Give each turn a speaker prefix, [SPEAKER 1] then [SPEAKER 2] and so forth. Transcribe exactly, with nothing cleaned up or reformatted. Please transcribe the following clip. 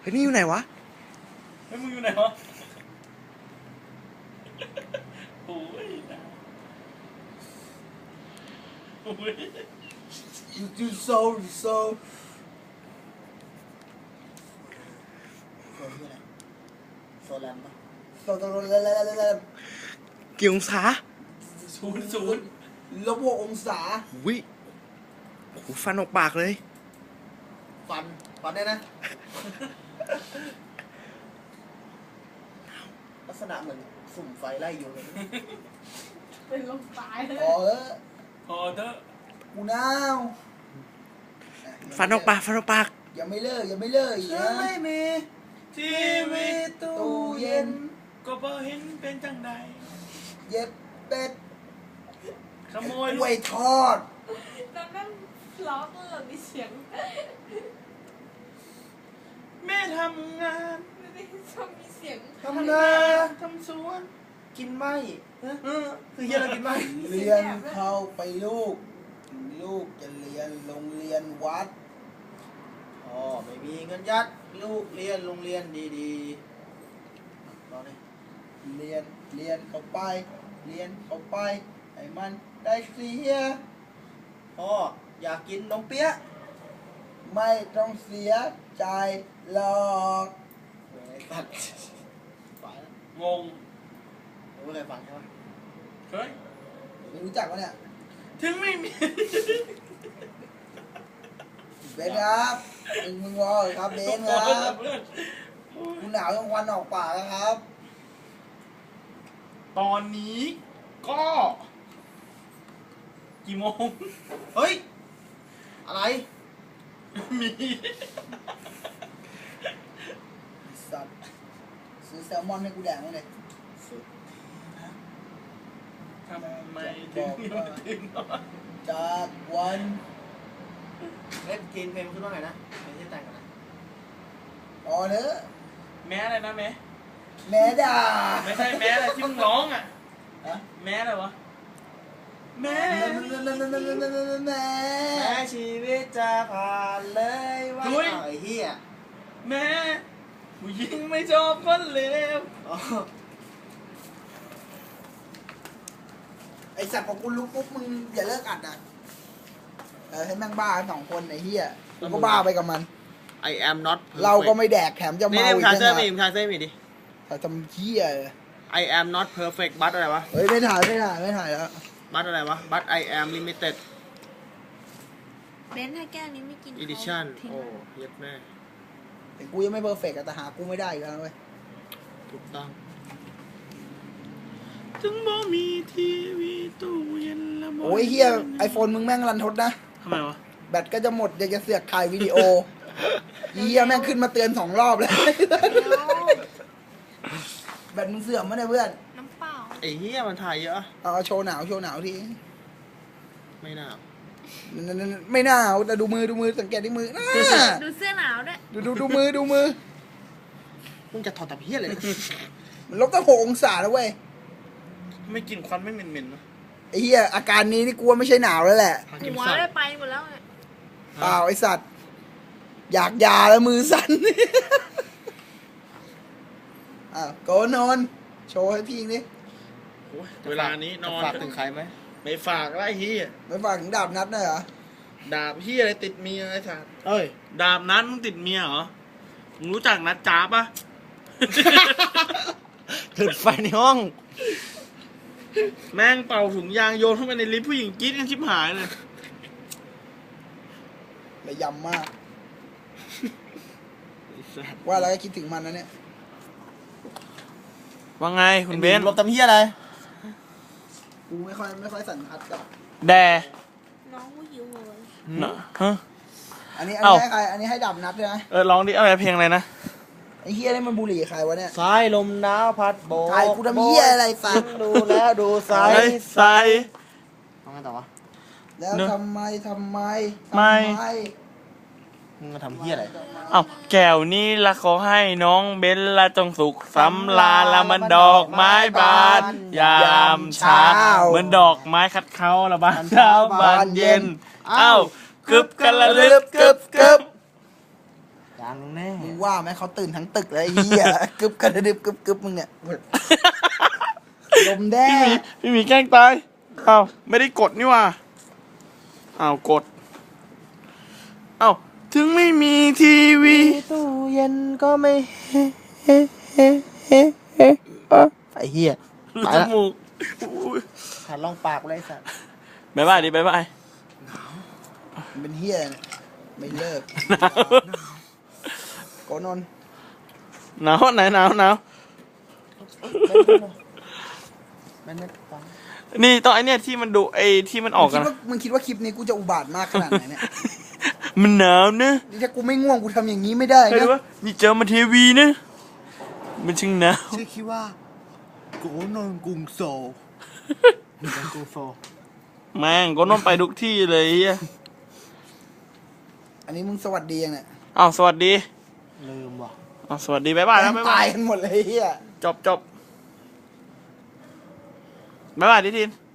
[SPEAKER 1] ฮ้ยนี่อยู่ไหนวะ
[SPEAKER 2] เฮ้ยมึงอยู่ไหนวะโอ้ยนะโอ้ย
[SPEAKER 3] you do so so โซแลมปะโซโซแลมแลมแลม
[SPEAKER 1] กี่องศา
[SPEAKER 2] ศูนย์ศูนย์
[SPEAKER 3] ลบหกองศา
[SPEAKER 1] วิโอ้โหฟันออกปากเลย
[SPEAKER 3] ฟันฟันได้นะลักษณะเหมือนสุ่มไฟไล่ยุงเลย
[SPEAKER 4] เป็นลมตายเลย
[SPEAKER 3] พอเออ
[SPEAKER 2] พอเถอะ
[SPEAKER 3] กูหนาว
[SPEAKER 1] ฟันออกปากฟันออกปาก
[SPEAKER 3] ยังไม่เลิกยังไม่เลิกอีกนะไม่มี
[SPEAKER 2] ทีวีตู้
[SPEAKER 3] ตู้เย็น
[SPEAKER 2] ก็บ่เห็นเป็นจังใด
[SPEAKER 3] เย็บเป็ด
[SPEAKER 2] ขโมย
[SPEAKER 3] ก
[SPEAKER 2] ลู
[SPEAKER 3] ล้วย
[SPEAKER 2] ก
[SPEAKER 3] ทอด
[SPEAKER 4] แล้วนั่งล้อตลอดมีเสียง
[SPEAKER 2] แม่ทำงาน
[SPEAKER 4] ไม่ได้ชอบมีเสียง
[SPEAKER 3] ทำนา
[SPEAKER 2] ทำสวน
[SPEAKER 3] กินไหม
[SPEAKER 2] เออคือเฮียอะไรกินไหม
[SPEAKER 3] เรียนเข้าไปลูก ลูกจะเรียนโรงเรียนวัดพ่อไม่มีเงินยัดลูกเรียนโรงเรียนดีๆตอนนี้เรียนเรียนเข้าไป เรียนเข้าไปให้มันได้เสียพ่ออยากกินนมเปี๊ยะไม่ต้องเสียใจหรอกตัดไปแล้ว
[SPEAKER 2] งง
[SPEAKER 3] รู้อะไรฟังใช่ไหม
[SPEAKER 2] เฮ้ย
[SPEAKER 3] ไม่รู้จักวะเนี่ย
[SPEAKER 2] ถึงไม่มี
[SPEAKER 3] เบนครับมึงมึงรอเลยครับเบนครับกูหนาวยังวันออกปากแล้วครับ
[SPEAKER 2] ตอนนี้ก็ กี่โมง
[SPEAKER 3] เฮ้ย อะไร
[SPEAKER 2] มี
[SPEAKER 3] สัตว์ซื้อแซลมอนให้กูแดงมั้งเลย
[SPEAKER 2] ทำไมถึงยังไม่ถึงนอน
[SPEAKER 3] จากวันเล่นกินเพลงขึ้นว่าไงนะเพลงที่แต่งกันนะอ๋อเนอะ
[SPEAKER 2] แม้อะไรนะแม้
[SPEAKER 3] แม่ด่า
[SPEAKER 2] ไม่ใช่แม้อะไรที่มึงร้องอ่ะ
[SPEAKER 3] ฮะ
[SPEAKER 2] แม้อะไรวะ แม้
[SPEAKER 3] แม่แม่ชีวิตจะผ่านเลยว่าไอ้เหี้ย
[SPEAKER 2] แม้ผู้หญิงไม่ชอบคนเลว
[SPEAKER 3] อ๋อไอสัตว์ของกูรู้ปุ๊บมึงอย่าเลิกอัดอ่ะเออให้แม่งบ้าสองคนไอ้เหี้ยกูก็บ้าไปกับมัน
[SPEAKER 5] I am not
[SPEAKER 3] เราก็ไม่แดกแถมจะ
[SPEAKER 5] นี่
[SPEAKER 3] เมา
[SPEAKER 5] นี่
[SPEAKER 3] อีก
[SPEAKER 5] ทาง
[SPEAKER 3] ต่าง
[SPEAKER 5] เส้น
[SPEAKER 3] หาก
[SPEAKER 5] มีทางเส้นมีดิ
[SPEAKER 3] แต่ทำเหี้ย
[SPEAKER 5] I am not perfect บัตอะไรวะ
[SPEAKER 3] เฮ้ยไม่ถ่ายไม่ถ่ายไม่ถ่ายแล้ว
[SPEAKER 5] บัตอะไรวะ บัต I am limited
[SPEAKER 4] เบนถ้าแก้วนี้ไม่กิน
[SPEAKER 5] edition
[SPEAKER 4] ทิ้ง
[SPEAKER 5] โอ้เย็ดแม่
[SPEAKER 3] แต่กูยังไม่เพอร์เฟกต์อะแต่หากูไม่ได้อีกแล้วเว้ย
[SPEAKER 5] ถูกต้อง
[SPEAKER 2] ถึงบ่มีทีวีตู้เย็นละบ่
[SPEAKER 3] โอ้ยเฮียไอโฟนมึงแม่งรันทดนะ
[SPEAKER 2] ทำไมวะ
[SPEAKER 3] แบตก็จะหมดอยากจะเสือกถ่ายวิดีโอเฮียแม่งขึ้นมาเตือนสองรอบเลยแบตมึงเสื่อมมั้ยเนี่ยเพื่อน
[SPEAKER 4] น้ำเปล่า
[SPEAKER 5] ไอ้เหี้ยมันถ่ายเยอะ
[SPEAKER 3] เอาโชว์หนาวโชว์หนาวที
[SPEAKER 5] ไม่น่า
[SPEAKER 3] ไม่หนาวแต่ดูมือดูมือสังเกตที่มือน่า
[SPEAKER 4] ดูเสื้อหนาวด้วย
[SPEAKER 3] ดูดูดูมือดูมือ
[SPEAKER 5] มึงจะถอดตับเหี้ยเลย
[SPEAKER 3] มันลบตั้งหกองศาแล้วเว้ย
[SPEAKER 2] ไม่กินควันไม่เหม็นๆนะ
[SPEAKER 3] ไอเฮียอาการนี้นี่กลัวไม่ใช่หนาวแล้วแหละ
[SPEAKER 5] หากิน
[SPEAKER 4] หัว
[SPEAKER 5] สัต
[SPEAKER 4] ได้
[SPEAKER 5] ว์
[SPEAKER 4] ไปหมดแล้วไง
[SPEAKER 3] เปล่าไอสัตว์ อยากยาแล้วมือสั่น อ้าวโกนอน โชว์ให้พี่นี่
[SPEAKER 2] โอ้ยเวลานี้นอน
[SPEAKER 5] จะฝากถึงใครไหม
[SPEAKER 2] ไม่ฝากไรเฮีย
[SPEAKER 3] ไม่ฝากถึงดาบนัดหน่อยเหรอ
[SPEAKER 2] ดาบเฮียอะไรติดเมียไอ้สัส
[SPEAKER 5] เอ้ย
[SPEAKER 2] ดาบนั้นมึงติดเมียเหรอ มึงรู้จักนัดจ้าปะ
[SPEAKER 5] จุดไฟในห้อง
[SPEAKER 2] แม่งเป่าถุงยางโยนเข้าไปในลิฟต์ผู้หญิงกรี๊ดกันชิบหายเลย
[SPEAKER 3] ระยำมาก ว่าแล้วก็คิดถึงมันนะเนี่ย
[SPEAKER 2] ว่าไงคุณเบนซ์
[SPEAKER 5] ลบตับเหี้ยอะไร
[SPEAKER 3] กูไม่ค่อยไม่ค่อยสันทัดกับ
[SPEAKER 2] แด
[SPEAKER 4] น้องกูหิวเลย
[SPEAKER 2] น่ะฮะ
[SPEAKER 3] อันนี้อัน
[SPEAKER 2] เอ้า
[SPEAKER 3] นี้ให้ใคร อันนี้ให้ดาบนัดด้วยนะ
[SPEAKER 2] เออร้องดิอะไรเพลงอะไรนะ
[SPEAKER 3] ไอ้เฮียนี่มันบุหรี่ใครวะเนี่ย
[SPEAKER 5] สายลมหนาวพัดโบก
[SPEAKER 3] ถ่ายกูทำเหี้ยอะไรสัตว์
[SPEAKER 5] ดูแล้วดูสาย
[SPEAKER 2] ใส่ใส่
[SPEAKER 5] ทำไงต่อวะ
[SPEAKER 3] แล้ว
[SPEAKER 2] เนอะ
[SPEAKER 3] ทำไมทำไม
[SPEAKER 2] ไม่
[SPEAKER 3] ทำไม
[SPEAKER 5] มึงมาทำเหี้ยอะไร
[SPEAKER 2] เอ้าแก้วนี้ละขอให้น้องเบนละจงสุขสำลาละมันดอกไม้บานยามเช้าเหมือนดอกไม้คัดเขาละบานเช้าบานเย็น เอ้ากึบกันละลึบกึบกึบ
[SPEAKER 5] อย่าดังแน่
[SPEAKER 3] มึงว่าไหมเขาตื่นทั้งตึกเลยไอ้เหี้ย กึบกระดึบกึบกึบมึงเนี่ยลมแด้
[SPEAKER 2] พี่หมีพี่หมีแกล้งตายอ้าวไม่ได้กดนี่หว่าอ้าวกดอ้าวถึงไม่มีทีวี
[SPEAKER 5] ตู้เย็นก็ไม่เฮ้เฮ้เฮ้เฮ้เฮ้ไอ้เหี้ย
[SPEAKER 2] รู
[SPEAKER 5] ไป
[SPEAKER 2] จ
[SPEAKER 5] ละ
[SPEAKER 2] มูกอุ้ย
[SPEAKER 5] หันลองปากเลยสัตว์
[SPEAKER 2] บ๊ายบายดิบ๊ายบาย
[SPEAKER 3] มันเป็นเหี้ยเนี่ยไม่เลิก
[SPEAKER 2] หนาว
[SPEAKER 3] โกนนท์
[SPEAKER 2] หนาวไหนหนาวหนาว
[SPEAKER 5] ไม่ไม่ฟัง
[SPEAKER 2] นี่ต้องไอเนี่ยที่มันดูไอที่มันออก
[SPEAKER 3] มึ
[SPEAKER 2] กั
[SPEAKER 3] ง
[SPEAKER 2] น
[SPEAKER 3] คิดว่ามึงคิดว่าคลิปนี้กูจะอุบาทมากขนาดไหนเนี่ย
[SPEAKER 2] มันหนาวนะ
[SPEAKER 3] นี่ถ้ากูไม่ง่วงกูทำอย่างนี้ไม่ได้
[SPEAKER 2] เห็น
[SPEAKER 3] นะ
[SPEAKER 2] ว่านี่เจอมาทีวีนะมันช่างหนาว
[SPEAKER 3] ชื่อคิดว่าโกนนท์กรุงโซล
[SPEAKER 5] เป็นกูโฟ
[SPEAKER 2] แม่งก็ต้องไปทุกที่เลยเฮีย
[SPEAKER 3] อันนี้มึงสวัสดียังเนี่ย
[SPEAKER 2] อ้าวสวัสดี
[SPEAKER 5] ลืมว่ะ
[SPEAKER 2] อ้าวสวัสดีบ๊ายบายแล้วบ๊าย
[SPEAKER 3] ตา
[SPEAKER 2] บาย ย
[SPEAKER 3] กันหมดเลยไอ้เหี้ย
[SPEAKER 2] จบจบบ๊ายบายดิทิน